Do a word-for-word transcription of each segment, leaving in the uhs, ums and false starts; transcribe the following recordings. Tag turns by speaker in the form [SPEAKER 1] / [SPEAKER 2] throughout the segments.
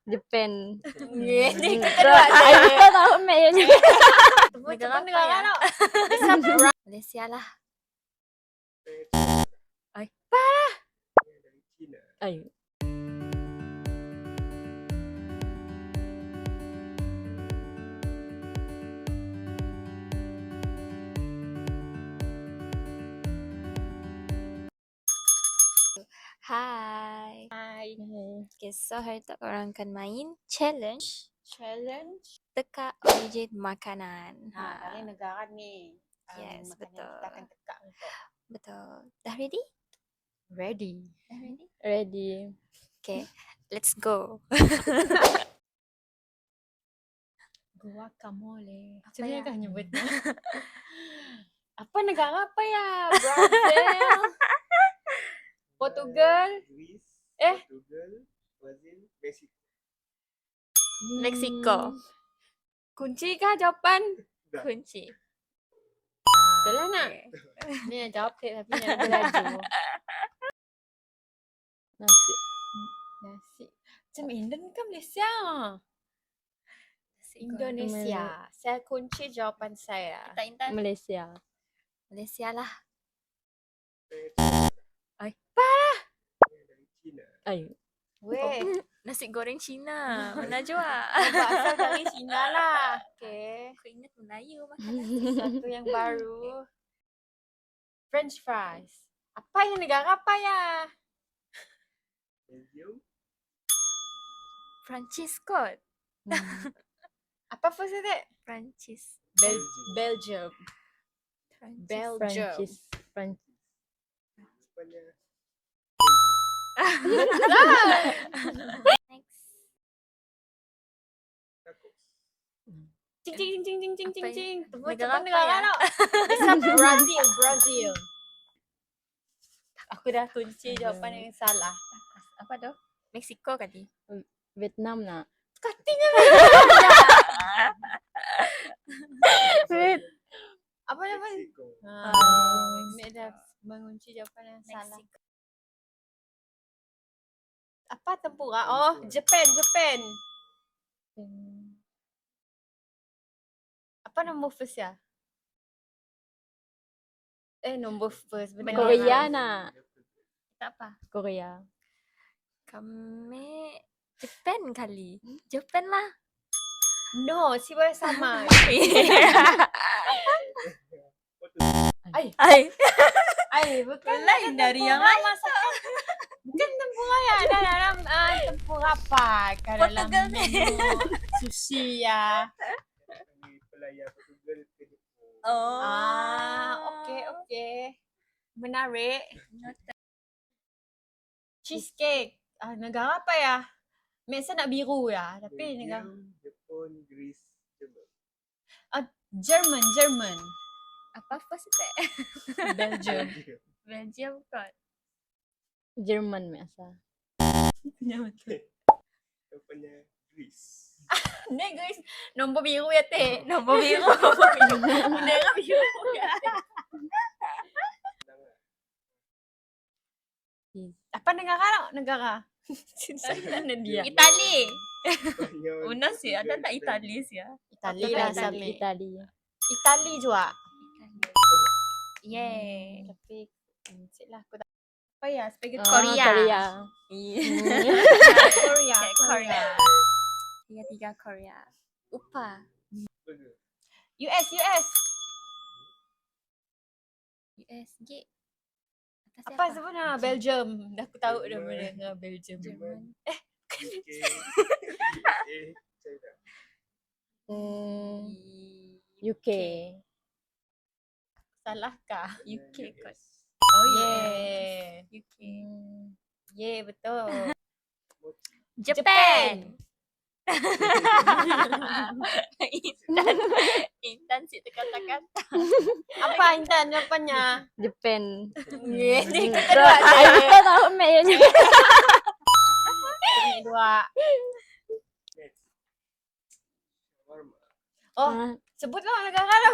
[SPEAKER 1] Japan.
[SPEAKER 2] Ini
[SPEAKER 1] Hmm.
[SPEAKER 2] kita dua
[SPEAKER 1] Ay,
[SPEAKER 2] je.
[SPEAKER 1] betul tahu Mek ya juga.
[SPEAKER 2] Negara
[SPEAKER 3] apa
[SPEAKER 2] negara
[SPEAKER 3] ya?
[SPEAKER 2] tau. Bisa perang.
[SPEAKER 3] Malaysia lah.
[SPEAKER 2] Ay,
[SPEAKER 4] Dari China.
[SPEAKER 1] Ay.
[SPEAKER 3] Hai.
[SPEAKER 2] Hai.
[SPEAKER 3] Okay, so hari tu orang akan main challenge
[SPEAKER 2] Challenge.
[SPEAKER 3] teka origin makanan.
[SPEAKER 2] Ha, kali negara ni. Um,
[SPEAKER 3] Yes,
[SPEAKER 2] makanan
[SPEAKER 3] betul.
[SPEAKER 2] Kita akan tekak untuk.
[SPEAKER 3] Betul. Dah ready?
[SPEAKER 2] Ready.
[SPEAKER 3] Dah ready?
[SPEAKER 1] Ready.
[SPEAKER 3] Okay, let's go.
[SPEAKER 2] Guacamole.
[SPEAKER 3] Apa
[SPEAKER 2] Macam mana
[SPEAKER 3] ya?
[SPEAKER 2] kau nyebutnya? Apa negara apa ya? Brazil. Portugal.
[SPEAKER 4] Greece.
[SPEAKER 2] Eh?
[SPEAKER 4] Portugal. Brazil. Mexico.
[SPEAKER 3] Mexico.
[SPEAKER 2] Hmm. Kunci kah jawapan?
[SPEAKER 4] Dah.
[SPEAKER 3] Kunci.
[SPEAKER 2] Betul lah nak. Ni nak jawab ke tapi nak lebih laju.
[SPEAKER 1] Nasi.
[SPEAKER 2] Nasi. Macam Indon ke Malaysia? Indonesia. Saya kunci jawapan saya.
[SPEAKER 3] Kita Intan.
[SPEAKER 1] Malaysia.
[SPEAKER 3] Malaysia lah.
[SPEAKER 2] Ay,
[SPEAKER 4] Dari China.
[SPEAKER 1] Ay.
[SPEAKER 2] weh.
[SPEAKER 3] Nasi goreng Cina. Mana jua?
[SPEAKER 2] Berasal dari Cina lah. Okay.
[SPEAKER 3] Aku ingat Melayu makan nasi.
[SPEAKER 2] Satu yang baru. French fries. Apa yang negara apa ya?
[SPEAKER 4] Belgium.
[SPEAKER 3] Perancis kot.
[SPEAKER 1] Hmm.
[SPEAKER 2] Apa first itu?
[SPEAKER 3] Perancis.
[SPEAKER 2] Bel Belgium.
[SPEAKER 3] Perancis.
[SPEAKER 2] Belgium.
[SPEAKER 1] Prancis. Prancis.
[SPEAKER 4] Jawapannya Belgium.
[SPEAKER 3] Next.
[SPEAKER 4] Tacos.
[SPEAKER 2] Cing cing cing cing cing cing
[SPEAKER 3] Apa ya?
[SPEAKER 2] cing. Tebus
[SPEAKER 3] Negara
[SPEAKER 2] cepat
[SPEAKER 3] apa
[SPEAKER 2] negara
[SPEAKER 3] ya?
[SPEAKER 2] tau. Bisa Brazil, Brazil. Aku dah kunci jawapan yang salah.
[SPEAKER 3] Apa tu? Mexico tadi.
[SPEAKER 1] Vietnam nak.
[SPEAKER 2] Katingnya.
[SPEAKER 1] Wait.
[SPEAKER 2] Apa nama?
[SPEAKER 4] Mexico.
[SPEAKER 2] Ha,
[SPEAKER 3] Oh,
[SPEAKER 2] Mek dah mengunci jawapan yang salah.
[SPEAKER 3] Mexico.
[SPEAKER 2] Apa tempura? Oh, Japan, Japan.
[SPEAKER 1] Hmm.
[SPEAKER 2] Apa nombor first ya? Eh, nombor first. Benar.
[SPEAKER 1] Korea nak.
[SPEAKER 3] Tak apa.
[SPEAKER 1] Korea.
[SPEAKER 3] Kami Japan kali. Japan lah.
[SPEAKER 2] No, siapa sama. Ay,
[SPEAKER 3] Ay.
[SPEAKER 2] ay, bukan
[SPEAKER 3] Lain dari yang
[SPEAKER 2] lain. Masakan. Bukan tempura ya. Ada dalam uh, tempura apa? Kat dalam
[SPEAKER 3] Portugal ni.
[SPEAKER 2] menu sushi ya.
[SPEAKER 4] Dari pelayar Portugal ke Jepun.
[SPEAKER 3] Oh.
[SPEAKER 2] Ah, okey, okey. Menarik. Cheesecake. Ah, negara apa ya? Mek saya nak biru ya. Tapi negara
[SPEAKER 4] Belgium, Jepun, Greece, Jerman.
[SPEAKER 2] German, German.
[SPEAKER 3] Apa first itu?
[SPEAKER 2] Belgium.
[SPEAKER 4] Belgium.
[SPEAKER 3] Belgium kot.
[SPEAKER 1] Jerman biasa.
[SPEAKER 4] Jawapannya Greece.
[SPEAKER 2] Ni guys, nombor biru ya teh.
[SPEAKER 3] Nombor biru.
[SPEAKER 2] Negara biru ya. Apa negara nak? Negara. Mana dia?
[SPEAKER 3] Itali.
[SPEAKER 4] Spanyol,
[SPEAKER 3] Una sih, ada
[SPEAKER 4] Portugal,
[SPEAKER 3] tak
[SPEAKER 4] dan
[SPEAKER 3] Itali sih ya?
[SPEAKER 2] Itali lah
[SPEAKER 3] Itali.
[SPEAKER 2] Sami.
[SPEAKER 1] Itali.
[SPEAKER 2] Itali juga.
[SPEAKER 3] Yeay.
[SPEAKER 2] Tapi cik lah aku tak. Apa ya? Spaghetti
[SPEAKER 1] Ah,
[SPEAKER 3] Korea.
[SPEAKER 1] Korea.
[SPEAKER 2] Korea.
[SPEAKER 3] Okay, Korea. Tiga tiga Korea. Upa.
[SPEAKER 4] Burger.
[SPEAKER 2] U S, U S.
[SPEAKER 3] U S G. Atas
[SPEAKER 2] Apa sebenarnya? Belgium. Dah aku tahu dah
[SPEAKER 4] Jerman.
[SPEAKER 2] benda dengan Belgium.
[SPEAKER 3] Jerman.
[SPEAKER 4] U K, U S A, China.
[SPEAKER 1] Hmm.
[SPEAKER 3] U
[SPEAKER 1] U K.
[SPEAKER 2] Salahkah?
[SPEAKER 3] U K
[SPEAKER 4] U
[SPEAKER 3] kot.
[SPEAKER 4] S.
[SPEAKER 3] Oh
[SPEAKER 2] Yeah.
[SPEAKER 3] U K.
[SPEAKER 1] Hmm.
[SPEAKER 2] Yeah, betul.
[SPEAKER 4] Mochi.
[SPEAKER 3] Japan. Intan. Intan si kata-kata.
[SPEAKER 2] Apa Intan jawapannya?
[SPEAKER 1] Japan.
[SPEAKER 2] Yeah, ni kita
[SPEAKER 1] Betul.
[SPEAKER 2] dua
[SPEAKER 1] Ay,
[SPEAKER 2] je.
[SPEAKER 1] betul tahu Mek ya juga.
[SPEAKER 2] Ni dua.
[SPEAKER 4] Next. Shawarma.
[SPEAKER 2] Oh,
[SPEAKER 1] Ah,
[SPEAKER 2] sebutlah negara lah.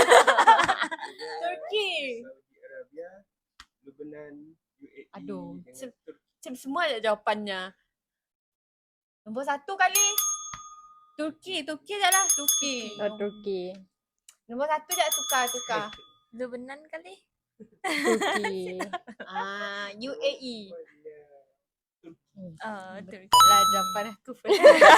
[SPEAKER 2] Turki.
[SPEAKER 4] Saudi Arabia, Lebanon, U A E
[SPEAKER 2] Aduh,
[SPEAKER 4] dengan
[SPEAKER 2] se-
[SPEAKER 4] Turki.
[SPEAKER 2] Macam semua ada jawapannya. Nombor satu kali. Turki, Turki je lah. Turki.
[SPEAKER 1] Oh, Turki.
[SPEAKER 2] Nombor satu je tukar, tukar.
[SPEAKER 3] Lebanon kali.
[SPEAKER 1] Turki.
[SPEAKER 2] Ah, U A E.
[SPEAKER 3] Oh, Turki.
[SPEAKER 2] Lah jawapan aku first.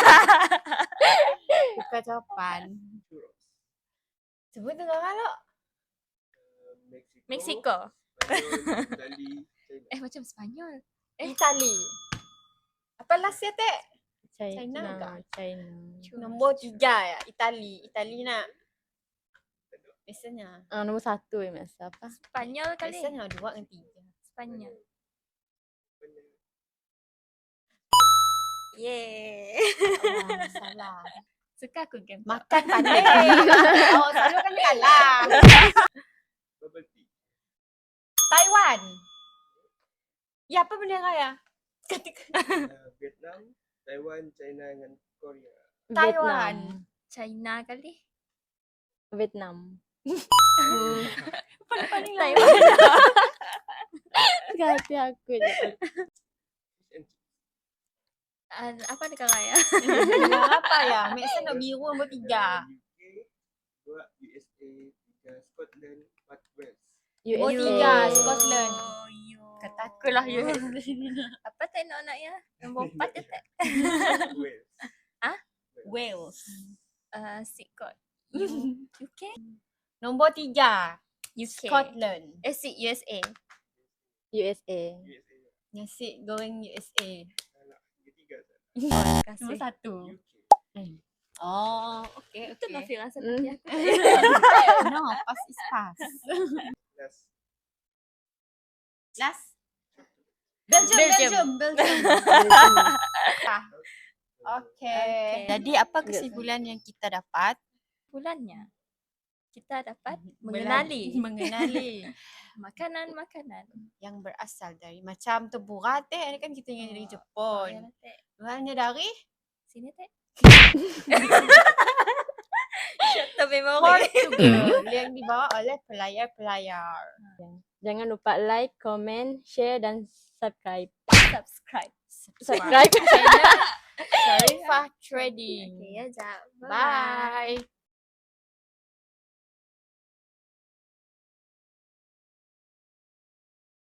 [SPEAKER 2] Tukar jawapan.
[SPEAKER 4] Churros.
[SPEAKER 2] Sebut tengah kalau.
[SPEAKER 4] Uh, Mexico.
[SPEAKER 3] Mexico.
[SPEAKER 4] Spanyol, Itali, China.
[SPEAKER 3] Eh, macam Spanyol.
[SPEAKER 2] Itali. Apa last ya, Tek?
[SPEAKER 1] China.
[SPEAKER 2] China
[SPEAKER 1] China.
[SPEAKER 2] ke?
[SPEAKER 1] China.
[SPEAKER 2] Nombor tiga ya, Itali. Itali nak. Biasanya.
[SPEAKER 1] Ah, nombor satu yang biasa apa?
[SPEAKER 3] Spanyol kali.
[SPEAKER 2] Biasanya dua dengan tiga.
[SPEAKER 3] Spanyol.
[SPEAKER 4] Benar.
[SPEAKER 3] Yeay.
[SPEAKER 2] Oh, salah.
[SPEAKER 3] Suka aku game.
[SPEAKER 2] Makan pandai. Oh, selalu kan kalah.
[SPEAKER 4] Bubble tea.
[SPEAKER 2] Taiwan. Ya, apa benda raya? Ketika
[SPEAKER 4] Uh, Vietnam, Taiwan, China dengan Korea.
[SPEAKER 2] Taiwan.
[SPEAKER 3] China kali.
[SPEAKER 1] Vietnam.
[SPEAKER 2] paling
[SPEAKER 3] Taiwan.
[SPEAKER 1] Hati aku je.
[SPEAKER 4] Fish and chips.
[SPEAKER 3] Uh, apa dekat raya?
[SPEAKER 2] Dengan apa ya? Maksudnya nak biru nombor tiga.
[SPEAKER 4] Uh, U K, dua U S A, tiga Scotland, empat Wales.
[SPEAKER 2] Nombor
[SPEAKER 1] U S A.
[SPEAKER 2] tiga, Scotland.
[SPEAKER 3] Oh, yo.
[SPEAKER 2] Kata aku lah U S A.
[SPEAKER 3] Apa tak nak nak ya? Nombor empat je tak?
[SPEAKER 4] Wales.
[SPEAKER 3] Ah?
[SPEAKER 2] Wales.
[SPEAKER 3] Uh, Sikot. U- UK?
[SPEAKER 2] Nombor tiga,
[SPEAKER 3] U K.
[SPEAKER 2] Scotland.
[SPEAKER 3] Eh, si U S A.
[SPEAKER 1] U S A.
[SPEAKER 4] U S A.
[SPEAKER 2] Nasi goreng U S A.
[SPEAKER 4] Salah. Ketiga salah.
[SPEAKER 3] Terima
[SPEAKER 2] Nombor
[SPEAKER 3] kasih.
[SPEAKER 2] satu.
[SPEAKER 4] U K.
[SPEAKER 2] Oh, okay,
[SPEAKER 3] Itu
[SPEAKER 2] okay.
[SPEAKER 3] Nafira
[SPEAKER 1] Hmm.
[SPEAKER 3] seperti aku.
[SPEAKER 2] No, pass is pass.
[SPEAKER 4] Last.
[SPEAKER 2] Last. Belgium,
[SPEAKER 3] Belgium.
[SPEAKER 2] Belgium, Belgium. Ah, okay.
[SPEAKER 3] Okay.
[SPEAKER 2] Jadi apa kesimpulan yang kita dapat?
[SPEAKER 3] Bulannya kita dapat
[SPEAKER 2] Bela-
[SPEAKER 3] mengenali
[SPEAKER 2] mengenali
[SPEAKER 3] makanan-makanan.
[SPEAKER 2] yang berasal dari macam tempura teh, ni kan kita yang dari Jepun.
[SPEAKER 3] Oh, ya, Tek.
[SPEAKER 2] Hanya dari
[SPEAKER 3] Sini Tek. Shut the memory.
[SPEAKER 2] Portugal yang dibawa oleh pelayar-pelayar.
[SPEAKER 1] Jangan lupa like, comment, share dan subscribe.
[SPEAKER 3] Subscribe.
[SPEAKER 1] Subscribe.
[SPEAKER 2] Channel Sharifah Trading.
[SPEAKER 3] Okay, ya, Jap.
[SPEAKER 2] Bye.